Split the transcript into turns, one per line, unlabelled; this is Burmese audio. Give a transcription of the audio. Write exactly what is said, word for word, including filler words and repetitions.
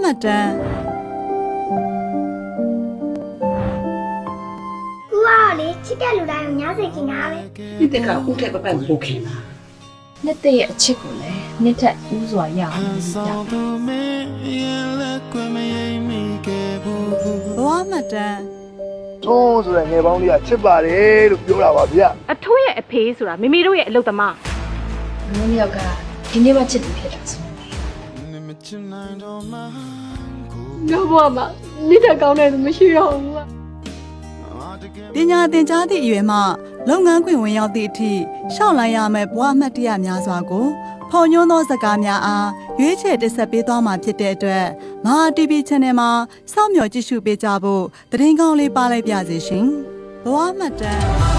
မှတ်တမ်း
ကူကလေချစ်တဲ့လူတိုင်းကိုညားစိတ်ခင်တာပဲ
ဒီတကဦးထက်ပပပို့ခင်ပါ
နှစ်တဲ့ရဲ့အချစ်ကိုလည်းနှစ်ထက်ဦးစွာရအောင်လုပ်ကြ
ဘဝမှတ်တမ်း
ထုံးဆိုတဲ့ငယ်ပေါင်းလေးကချစ်ပါတယ်လို့ပြောတာပါဗျ
အထိုးရဲ့အဖေးဆိုတာမိမိတို့ရဲ့အလုပ်သမား
ငါမျိုးကဒီနေ့မှချစ်သူဖြစ်တာဆို
ငါဘဝမှာနိဒကောင်းတဲ့သူမရှိတော့ဘူး
ပညာသင်ကြားသည့်အရွယ်မှလုပ်ငန်းခွင်ဝင်ရောက်သည့်အထိရှောက်လိုက်ရမယ့်ဘဝမှတ်တရများစွာကိုဖော်ညွှန်းသောစကားများအားရွေးချယ်တင်ဆက်ပေးသွားမှာဖြစ်တဲ့အတွက်မဟာ တီ ဗီ Channel မှာစောင့်မျှော်ကြည့်ရှုပေးကြဖို့သတင်းကောင်းလေးပါလိုက်ပြစေရှင်ဘဝမှတ်တမ်း